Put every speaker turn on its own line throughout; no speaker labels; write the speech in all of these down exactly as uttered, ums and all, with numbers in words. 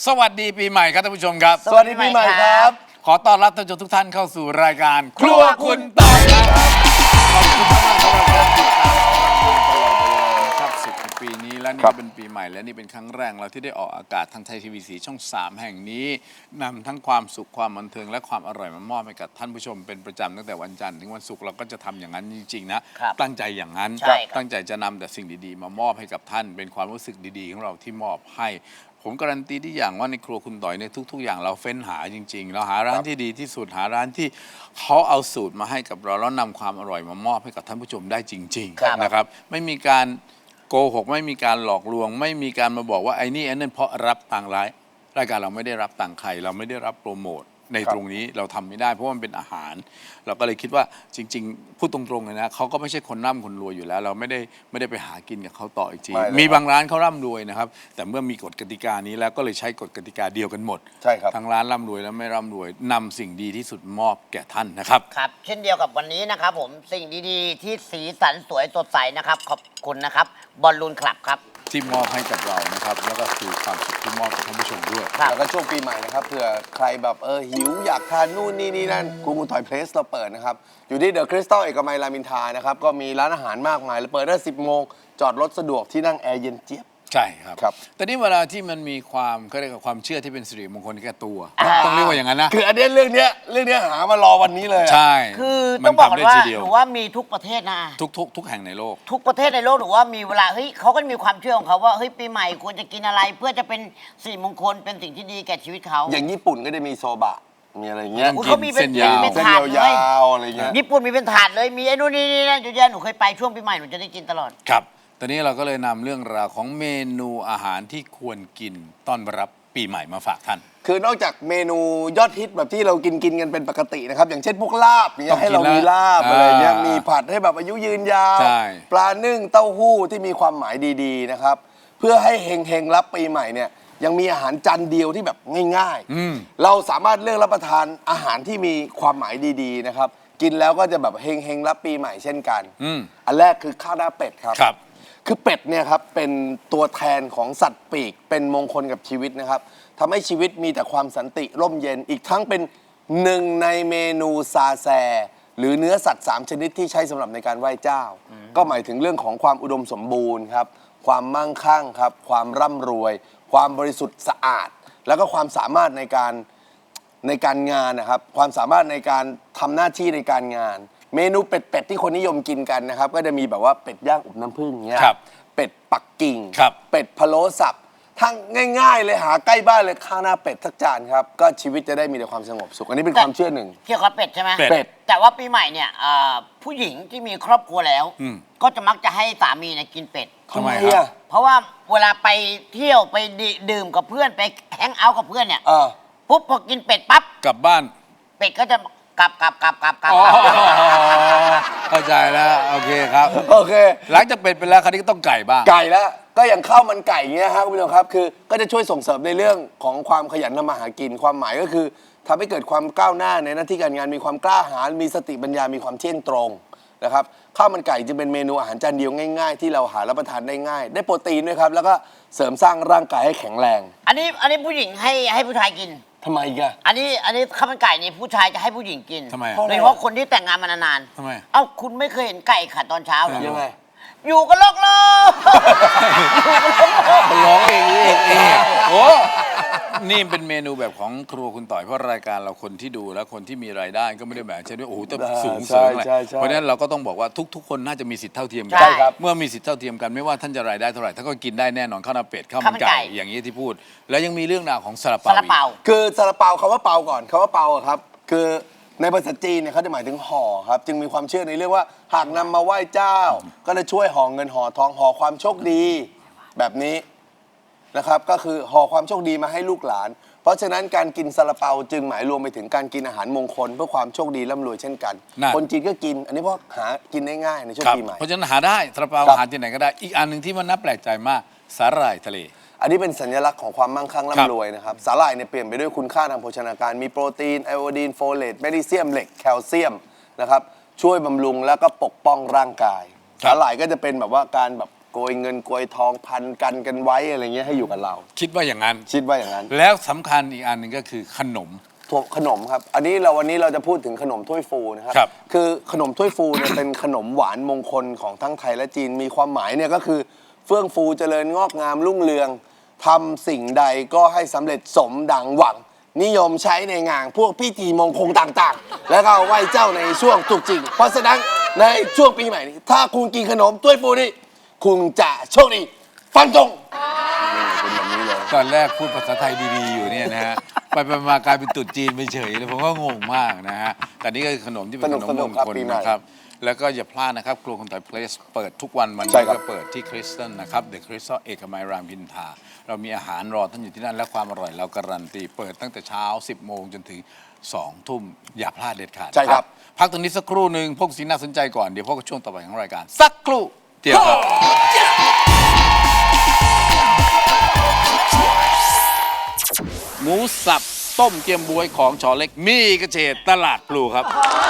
สวัสดีปีใหม่ครับท่านผู้ชมครับ
สวัสดีปีใหม่ครับ
ขอต้อนรับท่านผู้ชมทุกท่านเข้าสู่รายการครัวคุณต่อยครับขอบคุณมากสำหรับการติดตามตลอดเวลานะครับสิบปีนี้และนี่เป็นปีใหม่และนี่เป็นครั้งแรกเราที่ได้ออกอากาศทางไทยทีวีสีช่องสามแห่งนี้นำทั้งความสุขความบันเทิงและความอร่อยมามอบให้กับท่านผู้ชมเป็นประจำตั้งแต่วันจันทร์ถึงวันศุกร์เราก็จะทำอย่างนั้นจริงๆนะตั้งใจอย่างนั้นตั้งใจจะนำแต่สิ่งดีๆมามอบให้กับท่านเป็นความรู้สึกดีๆของเราที่มอบให้ผมการันตีที่อย่างว่าในครัวคุณต่อยในทุกๆอย่างเราเฟ้นหาจริงๆเราหาร้านที่ดีที่สุดหาร้านที่เขาเอาสูตรมาให้กับเราแล้วนำความอร่อยมามอบให้กับท่านผู้ชมได้จริงๆนะครับไม่มีการโกหกไม่มีการหลอกลวงไม่มีการมาบอกว่าไอ้นี่ไอ้นั่นเพราะรับตังค์ร้ายรายการเราไม่ได้รับตังค์ใครเราไม่ได้รับโปรโมทในตรงนี้เราทำไม่ได้เพราะว่ามันเป็นอาหารเราก็เลยคิดว่าจริงๆพูดตรงๆเลยนะเขาก็ไม่ใช่คนร่ำคนรวยอยู่แล้วเราไม่ได้ไม่ได้ไปหากินกับเขาต่ออีกทีมีบางร้านเขาร่ำรวยนะครับแต่เมื่อมีกฎกติกานี้แล้วก็เลยใช้กฎกติกาเดียวกันหมด
ใช่ครับ
ทั้งร้านร่ำรวยและไม่ร่ำรวยนำสิ่งดีที่สุดมอบแก่ท่านนะครับ
ครับเช่นเดียวกับวันนี้นะครับผมสิ่งดีๆที่สีสันสวยสดใสนะครับขอบคุณนะครับบอลลูนคลับครับ
ที่มอบให้กับเรานะครับแล้วก็คือความสุขที่มอบกับท่านผู้ชมด้วย
แล้วก็ช่วงปีใหม่นะครับเผื่อใครแบบเออหิวอยากทานนู่นนี่นี่นั่นครูคุณต่อยเพลสเราเปิดนะครับอยู่ที่เดอะคริสตัลเอกมัยรามอินทรานะครับก็มีร้านอาหารมากมายแล้วเปิดได้สิบโมงจอดรถสะดวกที่นั่งแอร์เย็นเจี๊ยบ
ใช่ครับ
ครับ
แต่นี่เวลาที่มันมีความเขาเรียกว่าความเชื่อที่เป็นสิริมงคลแก่ตัวต้องเรียกว่าอย่างนั้นนะ
คืออันนี้เรื่องเนี้ยเรื่องเนี้ยหามารอวันนี้เลย
ใช่
คือต้องบอกว่าหนูว่ามีทุกประเทศนะ
ทุกทุกทุกแห่งในโลก
ทุกประเทศในโลกหนูว่ามีเวลาเฮ้ยเขาก็มีความเชื่อของเขาว่าเฮ้ยปีใหม่ควรจะกินอะไรเพื่อจะเป็นสิริมงคลเป็นสิ่งที่ดีแก่ชีวิตเขา
อย่างญี่ปุ่นก็จะมีโซบะมีอะไรเงี้ย
เขามีเป็นเป็นถาดเลย
อะไรเงี้ย
ญี่ปุ่นมีเป็นถาดเลยมีไอ้นู่นนี่นี่นั่นเยอะแยะหนูเคยไปช่วงปีใหม่หนูจะได้กินตลอด
ครับตอนนี้เราก็เลยนำเรื่องราวของเมนูอาหารที่ควรกินต้อนรับปีใหม่มาฝากท่าน
คือนอกจากเมนูยอดฮิตแบบที่เรากินกินกันเป็นปกตินะครับอย่างเช่นพวกลาบอย่างเงี้ยให้เรามีลาบอะไรเงี้ยมีผัดให้แบบอายุยืนยาวปลานึ่งเต้าหู้ที่มีความหมายดีๆนะครับเพื่อให้เฮงๆรับปีใหม่เนี่ยยังมีอาหารจานเดียวที่แบบง่ายๆเราสามารถเลือกรับประทานอาหารที่มีความหมายดีๆนะครับกินแล้วก็จะแบบเฮงๆรับปีใหม่เช่นกันอันแรกคือข้าวหน้าเป็ดครับคือเป็ดเนี่ยครับเป็นตัวแทนของสัตว์ปีกเป็นมงคลกับชีวิตนะครับทำให้ชีวิตมีแต่ความสันติร่มเย็นอีกทั้งเป็นหนึ่งในเมนูซาแซหรือเนื้อสัตว์สามชนิดที่ใช้สำหรับในการไหว้เจ้าก็หมายถึงเรื่องของความอุดมสมบูรณ์ครับความมั่งคั่งครับความร่ำรวยความบริสุทธิ์สะอาดแล้วก็ความสามารถในการในการงานนะครับความสามารถในการทำหน้าที่ในการงานเมนูเป็ดๆที่คนนิยมกินกันนะครับก็จะมีแบบว่าเป็ดย่างอบน้ำผึ้งเงี้ยเป็ดปักกิ่งเป็ดพะโล้สับทั้งง่ายๆเลยหาใกล้บ้านเลยข้าวหน้าเป็ดสักจานครับก็ชีวิตจะได้มีแต่ความสงบสุขอันนี้เป็นความเชื่อหนึ่ง
เกี่ยวกับเป็ดใช่ไหม
เป็ด
แต่ว่าปีใหม่เนี่ยผู้หญิงที่มีครอบครัวแล้วก็จะมักจะให้สามีเนี่ยกินเป็ด
ทำไมครับ
เพราะว่าเวลาไปเที่ยวไปดื่มกับเพื่อนไปแฮงเอาท์กับเพื่อนเนี่ยปุ๊บพอกินเป็ดปั๊บ
กลับบ้าน
เป็ดก็จะกลับกลับกลับกลับกลับ
เข้าใจแล้วโอเคครับ
โอเค
หลังจากเป็ดไปแล้วคราวนี้ก็ต้องไก่บ้าง
ไก่แล้วก็อย่างข้าวมันไก่เงี้ยครับคุณผู้ชมครับคือก็จะช่วยส่งเสริมในเรื่องของความขยันทำมาหากินความหมายก็คือทำให้เกิดความก้าวหน้าในหน้าที่การงานมีความกล้าหาญมีสติปัญญามีความเที่ยงตรงนะครับข้าวมันไก่จึงเป็นเมนูอาหารจานเดียวง่ายๆที่เราหารับประทานได้ง่ายได้โปรตีนด้วยครับแล้วก็เสริมสร้างร่างกายให้แข็งแรง
อันนี้อันนี้ผู้หญิงให้ให้ผู้ชายกิน
ทำไมอีกอะ
อันนี้อันนี้ข้าวมันไก่นี่ผู้ชายจะให้ผู้หญิงกิน
ทำไม
โดยเฉพาะคนที่แต่งงานมานาน
ๆทำไม
เอ้าคุณไม่เคยเห็นไก่ขัดตอนเช้าหรอ
ยังไง
อยู่กันโลกโลก
ร้องเองเองเองโอ้นี่เป็นเมนูแบบของครัวคุณต่อยเพราะรายการเราคนที่ดูแล้วคนที่มีรายได้ก็ไม่ได้แบบเช่นว่าโอ้โหแต่สูงเสริมอะไรเพราะฉะนั้นเราก็ต้องบอกว่าทุกๆคนน่าจะมีสิทธิเท่าเทียมกันเมื่อมีสิทธิเท่าเทียมกันไม่ว่าท่านจะรายได้เท่าไหร่ท่านก็กินได้แน่นอนข้าวหน้าเป็ดข้าวมันไก่อย่างนี้ที่พูดแล้วยังมีเรื่องราวของซาลาเปา
คือซาลาเปาคำว่าเปาก่อนคำว่าเปาครับคือในภาษาจีนเนี่ยเขาจะหมายถึงห่อครับจึงมีความเชื่อในเรื่องว่าหากนำมาไหว้เจ้าก็จะช่วยห่อเงินห่อทองห่อความโชคดีแบบนี้นะครับก็คือห่อความโชคดีมาให้ลูกหลานเพราะฉะนั้นการกินซาลาเปาจึงหมายรวมไปถึงการกินอาหารมงคลเพื่อความโชคดีร่ำรวยเช่นกันคนจีนก็กินอันนี้เพราะหากินได้ง่ายในช่วงปีใหม่
เพราะฉะนั้นหาได้ซาลาเปาหาที่ไหนก็ได้อีกอันหนึ่งที่มันน่าแปลกใจมากสาหร่ายทะเล
อันนี้เป็นสัญลักษณ์ของความมั่งคั่งร่ำรวยนะครับสาหร่ายเนี่ยเปลี่ยนไปด้วยคุณค่าทางโภชนาการมีโปรตีนไอโอดีนโฟเลตแมกนีเซียมเหล็กแคลเซียมนะครับช่วยบำรุงแล้วก็ปกป้องร่างกายสาหร่ายก็จะเป็นแบบว่าการแบบโกยเงินโกยทองพันกันกันไว้อะไรเงี้ยให้อยู่กับเรา
คิดว่าอย่างนั้น
คิดว่าอย่างนั้น
แล้วสำคัญอีกอันหนึ่งก็คือขนม
ขนมครับ อันนี้เราวันนี้เราจะพูดถึงขนมถ้วยฟูนะครับ
ครับ
คือขนมถ้วยฟูเนี่ย เป็นขนมหวานมงคลของทั้งไทยและจีนมีความหมายเนี่ยก็คือเฟื่องฟูเจริญงอกงามรุ่งเรืองทำสิ่งใดก็ให้สำเร็จสมดังหวัง นิยมใช้ในงานพวกพิธีมงคลต่างๆ แล้วก็ไหว้เจ้าในช่วงตรุษจีนเพราะฉะนั้นในช่วงปีใหม่นี้ถ้าคุณกินขนมถ้วยฟูนี่คุณจะโชคดีฟันธงนี่เป็นแบบนี้เลย
ตอนแรกพูดภาษาไทยดีๆอยู่เนี่ยนะฮะ ไปไปมากลายเป็นตรุษจีนไปเฉยเลยผมก็งงมากนะฮะ แต่นี่ก็คือขนมที่เป็นขนม
สนุ
ม
ก
ง
ๆครับ
คล
ปีใหม่
นะครับ แล้วก็อย่าพลาดนะครับครัวคนไทยเพลสเปิดทุกวันวัน
ใช่
นี้
ครับ
ก็เปิดที่คริสตัลนะครับเดอะคริสตัลเอกมัยรามอินทราเรามีอาหารรอท่านอยู่ที่นั่นและความอร่อยเราการันตีเปิดตั้งแต่เช้า สิบโมงจนถึงสองทุ่มอย่าพลาดเด็ดขาด
ใช่ครับ
พักตรงนี้สักครู่หนึ่งพวกสิ่งน่าสนใจก่อนเดี๋ยวพวกบช่วงต่อไปของรายการสักครู่เดียวครับ หมูสับต้มเกี๊ยมบวยของชอเล็กมีกระเฉดตลาดพลูครับ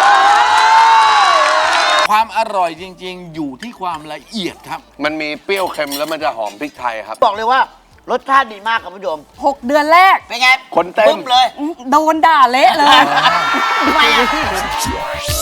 ความอร่อยจริงๆ อยู่ที่ความละเอียดครับ
มันมีเปรี้ยวเค็มแล้วมันจะหอมพริกไทยครับ
บอกเลยว่ารสชาติดีมากครับผู้ชม
หกเดือนแรก
เป็นไง
คนเต้น
บึ้มเลย
โดนด่าเละเลย
ทำไมอะ